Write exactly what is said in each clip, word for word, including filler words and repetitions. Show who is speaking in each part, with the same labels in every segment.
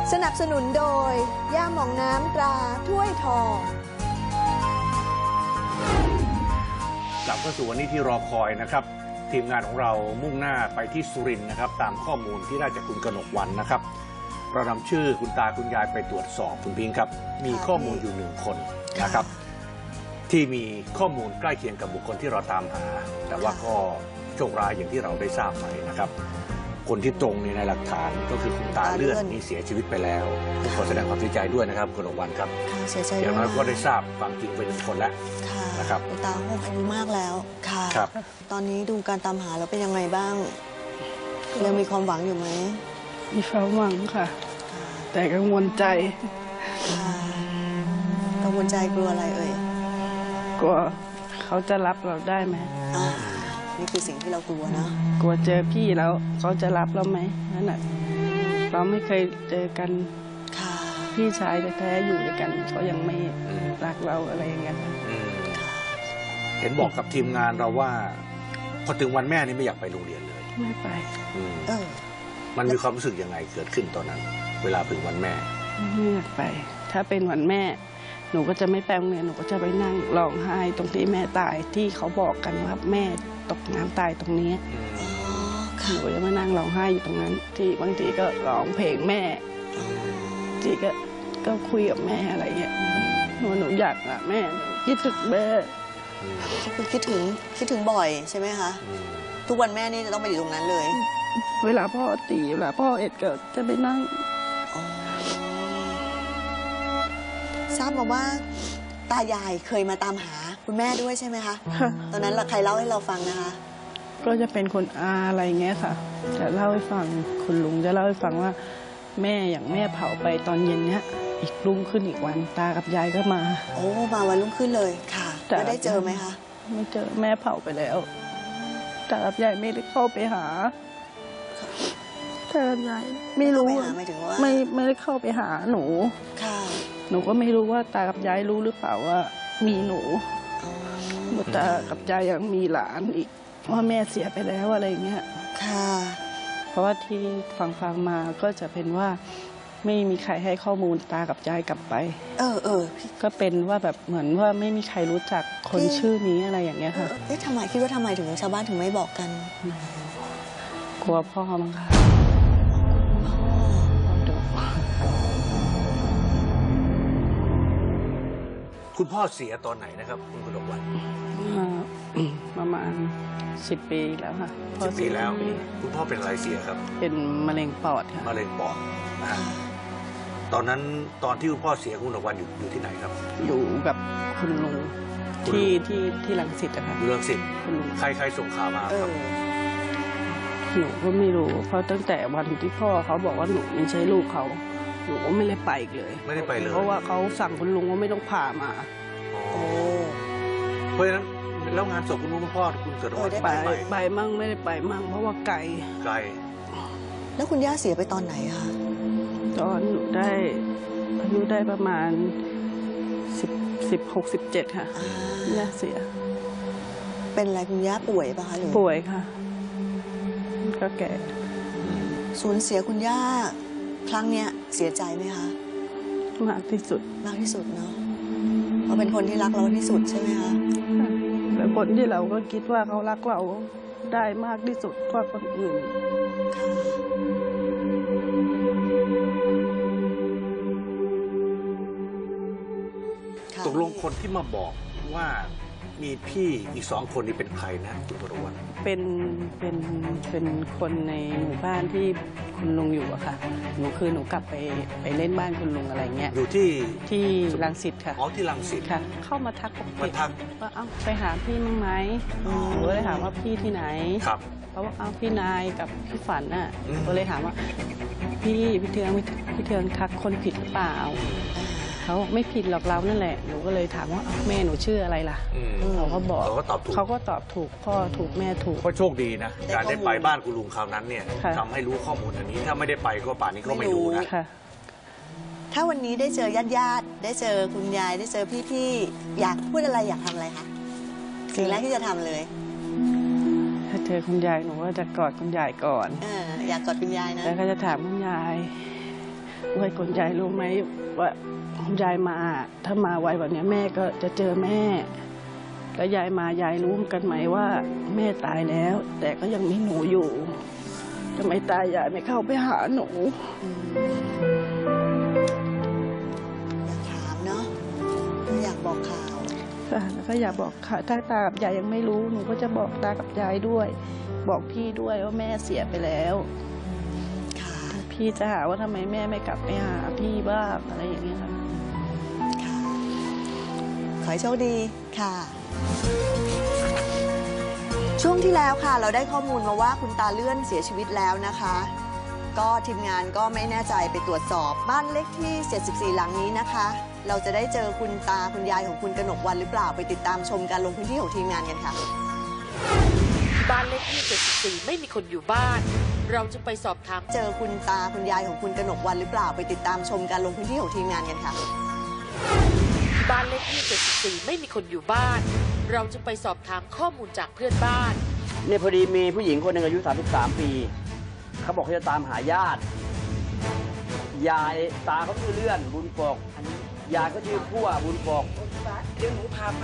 Speaker 1: สนับสนุนโดยย่าหม่องน้ำตราถ้วยทอง
Speaker 2: กลับเข้าสู่วันนี้ที่รอคอยนะครับทีมงานของเรามุ่งหน้าไปที่สุรินทร์นะครับตามข้อมูลที่ได้จากคุณกนกวรรณนะครับเรานำชื่อคุณตาคุณยายไปตรวจสอบคุณพิงค์ครับมีข้อมูลอยู่หนึ่งคนนะครับที่มีข้อมูลใกล้เคียงกับบุคคลที่เราตามหาแต่ว่าก็โชคร้ายอย่างที่เราได้ทราบไปนะครับคนที่ตรงในหลักฐานก็คือคุณตาเลื่อนนี่เสียชีวิตไปแล้วผมขอแสดงความเสียใจด้วยนะครับคุณกนกวรรณครับ
Speaker 1: เสียใจ
Speaker 2: อย่างน้อยก็ได้ทราบความจริงเป็นหนึ่งคนแล้วนะครับ
Speaker 1: คุณตาคงอายุมากแล้วค่ะตอนนี้ดูการตามหาแล้วเป็นยังไงบ้างยังมีความหวังอยู่ไหม
Speaker 3: มีความหวังค่ะแต่กังวลใจ
Speaker 1: กังวลใจกลัวอะไรเอ่ย
Speaker 3: กลัวเขาจะรับเราได้ไหม
Speaker 1: นี่คือสิ่งที่เรากลัวนะ
Speaker 3: กลัวเจอพี่แล้วเขาจะรับเราไหมนั่นแหละเราไม่เคยเจอกันพี่ชายแท้ๆอยู่ด้วยกันเขายังไม่รักเราอะไรอย่างเงี้ย
Speaker 2: เห็นบอกกับทีมงานเราว่าพอถึงวันแม่นี่ไม่อยากไปโรงเรียนเลย
Speaker 3: ไม่ไป
Speaker 1: เออ
Speaker 2: มันมีความรู้สึกยังไงเกิดขึ้นตอนนั้นเวลาถึงวันแม่
Speaker 3: ไม่อยากไปถ้าเป็นวันแม่หนูก็จะไม่ไปโรงเรียนหนูก็จะไปนั่งร้องไห้ตรงที่แม่ตายที่เขาบอกกันว่าแม่ตกน้ำตายตรงนี้หนูจะมานั่งร้องไห้อยู่ตรงนั้นที่บางทีก็ร้องเพลงแม่ทีก็ก็คุยกับแม่อะไรเงี้ยหนูหนูอยากอะแม่คิดถึงแม่
Speaker 1: คือคิดถึงคิดถึงบ่อยใช่ไหมคะทุกวันแม่นี่จะต้องไปอยู่ตรงนั้นเลย
Speaker 3: เวลาพ่อตีเวลาพ่อเอ็ดก็จะไปนั่ง
Speaker 1: ทราบมาว่าตายายเคยมาตามหาคุณแม่ด้วยใช่ไหมคะตอนนั้นใครเล่าให้เราฟังนะคะ
Speaker 3: ก็จะเป็นคนอาอะไรเงี้ยค่ะจะเล่าให้ฟังคุณลุงจะเล่าให้ฟังว่าแม่อย่างแม่เผาไปตอนเย็นเนี้ยอีกรุ่งขึ้นอีกวันตากับยายก็มา
Speaker 1: โอ้มาวันรุ่งขึ้นเลยค่ะแล้วได้เจอไหมคะ
Speaker 3: ไม่เจอแม่เผาไปแล้วตากับยายไม่ได้เข้าไปหาตากับยายไม่รู้ไม่ไม่ได้เข้าไปหาหนู
Speaker 1: ค่ะ
Speaker 3: หนูก็ไม่รู้ว่าตากับยายรู้หรือเปล่าว่ามีหนูตากับยายยังมีหลานอีกว่าแม่เสียไปแล้วอะไรเงี้ย
Speaker 1: ค่ะ
Speaker 3: เพราะว่าที่ฟังฟังมาก็จะเป็นว่าไม่มีใครให้ข้อมูลตากับยายกลับไป
Speaker 1: เออเออ
Speaker 3: ก็เป็นว่าแบบเหมือนว่าไม่มีใครรู้จักคนชื่อนี้อะไรอย่างเงี้ยค่ะ
Speaker 1: เอ๊ะทำไมคิดว่าทำไมถึงชาวบ้านถึงไม่บอกกัน
Speaker 3: กลัวพ่อมั้งคะ
Speaker 2: คุณพ่อเสียตอนไหนนะครับคุณกนกวรรณ
Speaker 3: ประมาณสิบปีแล้วค่ะ
Speaker 2: สิบปีแล้วคุณพ่อเป็นอะไรเสียครับ
Speaker 3: เป็นมะเร็งปอดค่ะ
Speaker 2: มะเร็งปอดนะตอนนั้นตอนที่คุณพ่อเสียคุณกนกวรรณอยู่อยู่ที่ไหนครับ
Speaker 3: อยู่กับคุณลุงที่ที่ที่รังสิตอะค่ะ
Speaker 2: อยู่รังสิตใครใครส่งข่าวมาครับ
Speaker 3: หนูก็ไม่รู้เพราะตั้งแต่วันที่พ่อเขาบอกว่าหนูไม่ใช่ลูกเขาหนูก็ไม่ได้ไปเลย
Speaker 2: ไม่ได้ไปเลย
Speaker 3: เพราะว่าเขาสั่งคุณลุงว่าไม่ต้องพามา
Speaker 2: โอ้เพราะฉะนั้นแล้วงานศพคุณลุงคุณพ่อคุณเกิดวัน
Speaker 3: ไปไปมั่งไม่ได้ไปมั่งเพราะว่าไกล
Speaker 2: ไกล
Speaker 1: แล้วคุณย่าเสียไปตอนไหนคะ
Speaker 3: ตอนหนูได้อายุได้ประมาณสิบสิบหกสิบเจ็ดค่ะย่าเสีย
Speaker 1: เป็นอะไรคุณย่าป่วยปะคะหรือ
Speaker 3: ป่วยค่ะก็แก่
Speaker 1: สูญเสียคุณย่าครั้งเนี้ยเสียใจไหมคะ
Speaker 3: มากที่สุด
Speaker 1: มากที่สุดเนาะเพราะเป็นคนที่รักเราที่สุดใช่ไหมคะ
Speaker 3: แล้วคนที่เราก็คิดว่าเขารักเราได้มากที่สุดกว่าคนอื่น
Speaker 2: ตกลงคนที่มาบอกว่ามีพี่อีกสองคนนี้เป็นใครนะคุณกนกวรรณ
Speaker 3: เป็นเป็นเป็นคนในหมู่บ้านที่คุณลุงอยู่อะค่ะหนูคือหนูกลับไปไปเล่นบ้านคุณลุงอะไรเงี้ย
Speaker 2: อยู่ที่
Speaker 3: ที่รังสิตค่ะ
Speaker 2: อ๋อที่รังสิต
Speaker 3: ค่ะเข้ามาทักปกติ
Speaker 2: ทัก
Speaker 3: ว่าเอ้าไปหาพี่มั้งไหมหนูเลยถามว่าพี่ที่ไหน
Speaker 2: ครับ
Speaker 3: เพราะว่าเอ้าพี่นายกับพี่ฝันน่ะก็เลยถามว่าพี่พี่เทืองพี่เทืองทักคนผิดหรือเปล่าเขาไม่ผิดหรอกเรานั่นแหละหนูก็เลยถามว่าแม่หนูชื่ออะไรล่ะเขาก็บอก
Speaker 2: เขาก็ตอบถูก
Speaker 3: เขาก็ตอบถูกพ่อถูกแม่ถูก
Speaker 2: ก็โชคดีนะการได้ไปบ้านคุณลุงคราวนั้นเนี่ยทำให้รู้ข้อมูลอันนี้ถ้าไม่ได้ไปก็ป่านนี้ก็ไม่รู้นะ
Speaker 1: ถ้าวันนี้ได้เจอญาติญาติได้เจอคุณยายได้เจอพี่ๆอยากพูดอะไรอยากทำอะไรคะสิ่งแรกที่จะทำเลย
Speaker 3: ถ้าเจอคุณยายหนูก็จะกอดคุณยายก่อน
Speaker 1: อยากกอดคุณยายนะ
Speaker 3: แล้วก็จะถามคุณยายว่าคุณยายรู้ไหมว่าคุณยายมาถ้ามาไวแบบนี้แม่ก็จะเจอแม่แล้วยายมายายรู้กันไหมว่าแม่ตายแล้ว แต่ก็ยังมีหนูอยู่ทำไมตายยายไม่เข้าไปหาหนู
Speaker 1: อยากถามเนาะอยากบอกข่าว
Speaker 3: ค่ะแล้วก็อยากบอกค่ะถ้าตากับยายยังไม่รู้หนูก็จะบอกตากับยายด้วย บอกพี่ด้วยว่าแม่เสียไปแล้ว
Speaker 1: ค่ะ
Speaker 3: พี่จะหาว่าทำไมแม่ไม่กลับไปหาพี่บ้างอะไรอย่างเงี้ยค่ะ
Speaker 1: ค่ะ ขอให้โชคดีค่ะ ช่วงที่แล้วค่ะ เราได้ข้อมูลมาว่าคุณตาเลื่อนเสียชีวิตแล้วนะคะ ก็ทีมงานก็ไม่แน่ใจไปตรวจสอบบ้านเลขที่เจ็ดสิบสี่หลังนี้นะคะ เราจะได้เจอคุณตาคุณยายของคุณกนกวรรณหรือเปล่าไปติดตามชมการลงพื้นที่ของทีมงานกันค่ะ
Speaker 4: บ้านเลขที่เจ็ดสิบสี่ไม่มีคนอยู่บ้าน เราจะไปสอบถาม
Speaker 1: เจอคุณตาคุณยายของคุณกนกวรรณหรือเปล่าไปติดตามชมการลงพื้นที่ของทีมงานกันค่ะ
Speaker 4: บ้านเลขที่เจ็ดสิบสี่ไม่มีคนอยู่บ้าน เราจะไปสอบถามข้อมูลจากเพื่อนบ้าน
Speaker 5: เนี่ยพอดีมีผู้หญิงคนหนึ่งอายุสามสิบสามปี เขาบอกเขาจะตามหาญาติ ยายตาเขาชื่อเลื่อนบุญปก ยายก็ชื่อพั่วบุญปก
Speaker 4: เดี๋ยวหนูพาไป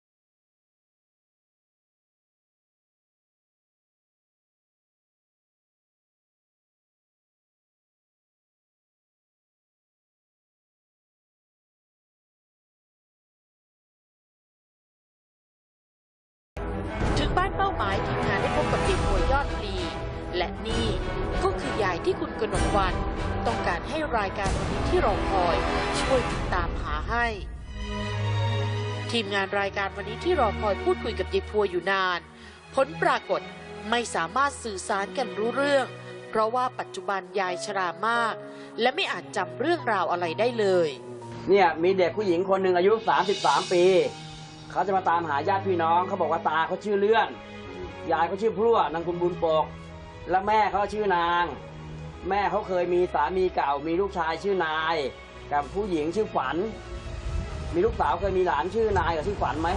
Speaker 4: ถึงบ้านเป้าหมายทีมงานได้พบกับเด็กหัวยอดพลี และนี่ก็คือยายที่คุณกนกวรรณต้องการให้รายการวันนี้ที่รอคอยช่วยติดตามหาให้ ทีมงานรายการวันนี้ที่รอคอยพูดคุยกับยายพัวอยู่นาน ผลปรากฏไม่สามารถสื่อสารกันรู้เรื่อง เพราะว่าปัจจุบันยายชรามาก และไม่อาจจำเรื่องราวอะไรได้เลย
Speaker 5: เนี่ยมีเด็กผู้หญิงคนหนึ่งอายุสามสิบสามปี เขาจะมาตามหาญาติพี่น้อง เขาบอกว่าตาเขาชื่อเลื่อน ยายเขาชื่อพั่วนางคุณบุญปก และแม่เขาชื่อนาง แม่เขาเคยมีสามีเก่ามีลูกชายชื่อนาย กับผู้หญิงชื่อฝัน มีลูกสาวเคยมีหลานชื่อนายกับชื่อฝันไหม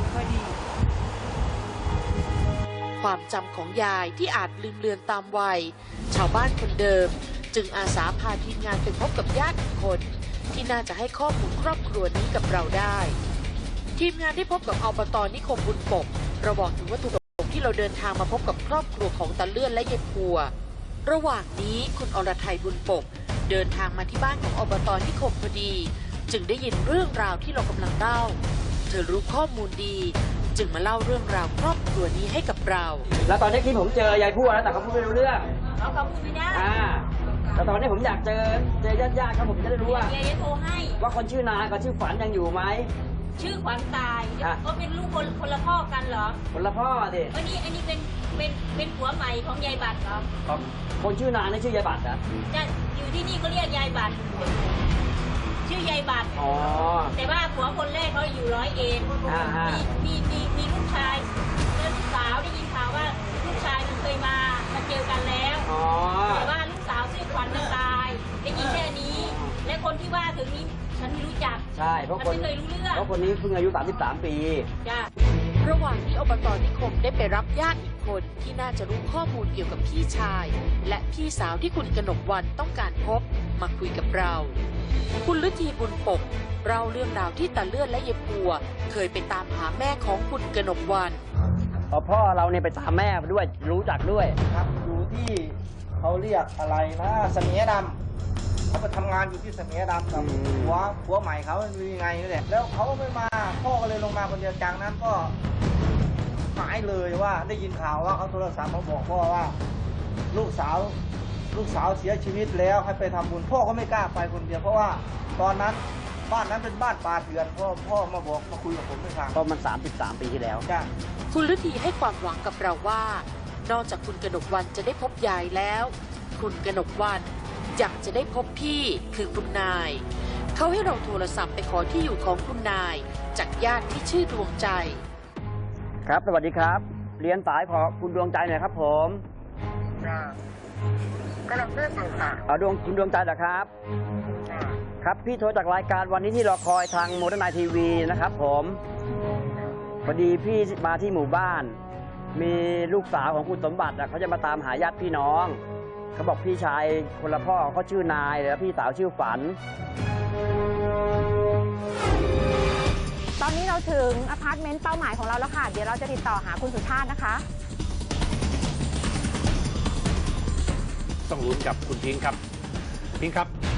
Speaker 4: ความจำของยายที่อาจลืมเลือนตามวัย ชาวบ้านคนเดิม จึงอาสาพาทีมงานไปพบกับญาติอีกคน ที่น่าจะให้ข้อมูลครอบครัวนี้กับเราได้ ทีมงานได้พบกับอบตนิคมบุญปกเราบอกถึงวัตถุประสงค์ที่เราเดินทางมาพบกับครอบครัวของตาเลื่อนและยายพัว ระหว่างนี้คุณอรทัยบุญปก เดินทางมาที่บ้านของอบตนิคมพอดี จึงได้ยินเรื่องราวที่เรากำลังเล่า เธอรู้ข้อมูลดี จึงมาเล่าเรื่องราวครอบครัวนี้ให้กับเรา
Speaker 5: แล้วตอนนี้ที่ผมเจอยายพั่วแล้วแต่เขาพูดไม่รู้เรื่อง
Speaker 6: เขาเขาพูดไม่ได้
Speaker 5: อ่าแต่ตอนนี้ผมอยากเจอเจอญาติๆครับผมจะได้รู้ว่า
Speaker 6: เดี๋ยวจะโทรให้
Speaker 5: ว่าคนชื่อนายกับชื่อฝันยังอยู่ไหม
Speaker 6: ชื่อขวัญตาย
Speaker 5: อ่ะ
Speaker 6: เขาเป็นลูกคนคนละพ่อกันเหรอ
Speaker 5: คนละพ่อดิ
Speaker 6: อันนี้อันนี้เป็นเป็นเป็นผัวใหม่ของยายบัตรเหรอ
Speaker 5: คนชื่อนายนี่ชื่อยายบัตรนะ
Speaker 6: จะอยู่ที่นี่ก็เรียกยายบัตรชื่อยายบัตร
Speaker 5: อ๋อ
Speaker 6: แต่ว่าผัวคนแรกเขาอยู่ร้อยเอ็ด
Speaker 5: อ่าฮะ
Speaker 6: มีมีมีมีลูกชายแล้วลูกสาวได้ยินข่าวว่าลูกชายมันเคยมามาเจอกันแล้ว
Speaker 5: อ๋อ
Speaker 6: แต่ว่าลูกสาวชื่อขวัญมันตายได้ยินแค่นี้ และคนที่ว่าถึงนี้ฉันไม่รู้จัก
Speaker 5: ใช่เพราะ
Speaker 6: ฉัน
Speaker 5: คน
Speaker 6: ไม่เคยรู้เรื่อง
Speaker 5: เพราะคนนี้เพิ่งอายุสามสิบสามปี
Speaker 6: จ้ะ
Speaker 4: ระหว่างที่อบตนิคมได้ไปรับญาติอีกคนที่น่าจะรู้ข้อมูลเกี่ยวกับพี่ชาย และพี่สาวที่คุณกนกวรรณต้องการพบมาคุยกับเรา คุณฤทีบุญปกเล่าเรื่องราวที่ตาเลื่อนและยายพัวเคยไปตามหาแม่ของคุณกนกวรรณ
Speaker 5: พอพ่อเราเนี่ยไปตามแม่ด้วยรู้จักด้วย
Speaker 7: ครับอยู่ที่เขาเรียกอะไรนะเสมียดำเขาไปทำงานอยู่ที่เสมียดำกับ
Speaker 5: อืม
Speaker 7: ผัวผัวใหม่เขาเป็นยังไงนี่แหละแล้วเขาไม่มาพ่อก็เลยลงมาคนเดียวจากนั้นก็หายเลยว่าได้ยินข่าวว่าเขาโทรศัพท์มาบอกพ่อว่า ลูกสาวลูกสาวเสียชีวิตแล้วให้ไปทำบุญพ่อก็ไม่กล้าไปคนเดียวเพราะว่าตอนนั้นบ้านนั้นเป็นบ้านป่าเถื่อนพ่อพ่อมาบอกมาคุยกับผมไม่ฟัง
Speaker 5: เพราะมันสามสิบสามปีที่แล้ว
Speaker 7: จ้า
Speaker 4: คุณฤทีให้ความหวังกับเราว่า นอกจากคุณกนกวรรณจะได้พบยายแล้ว คุณกนกวรรณยังจะได้พบพี่คือคุณนาย เขาให้เราโทรศัพท์ไปขอที่อยู่ของคุณนาย จากญาติที่ชื่อดวงใจ
Speaker 5: ครับสวัสดีครับ เรียนสายขอคุณดวงใจหน่อยครับผม
Speaker 8: กำลังเลือกอยู่ค่ะ
Speaker 5: เอาดวงคุณดวงใจเหรอครับ ครับพี่โทรจากรายการวันนี้ที่รอคอยทางโมเดิร์นไนทีวีนะครับผมพอดีพี่มาที่หมู่บ้าน มีลูกสาวของคุณสมบัติอะเขาจะมาตามหาญาติพี่น้องเขาบอกพี่ชายคนละพ่อเขาชื่อนายแล้วพี่สาวชื่อฝัน
Speaker 8: ตอนนี้เราถึงอพาร์ตเมนต์เป้าหมายของเราแล้วค่ะ เดี๋ยวเราจะติดต่อหาคุณสุชาตินะคะ
Speaker 2: ต้องลุ้นกับคุณพิงค์ครับพิงค์ครับ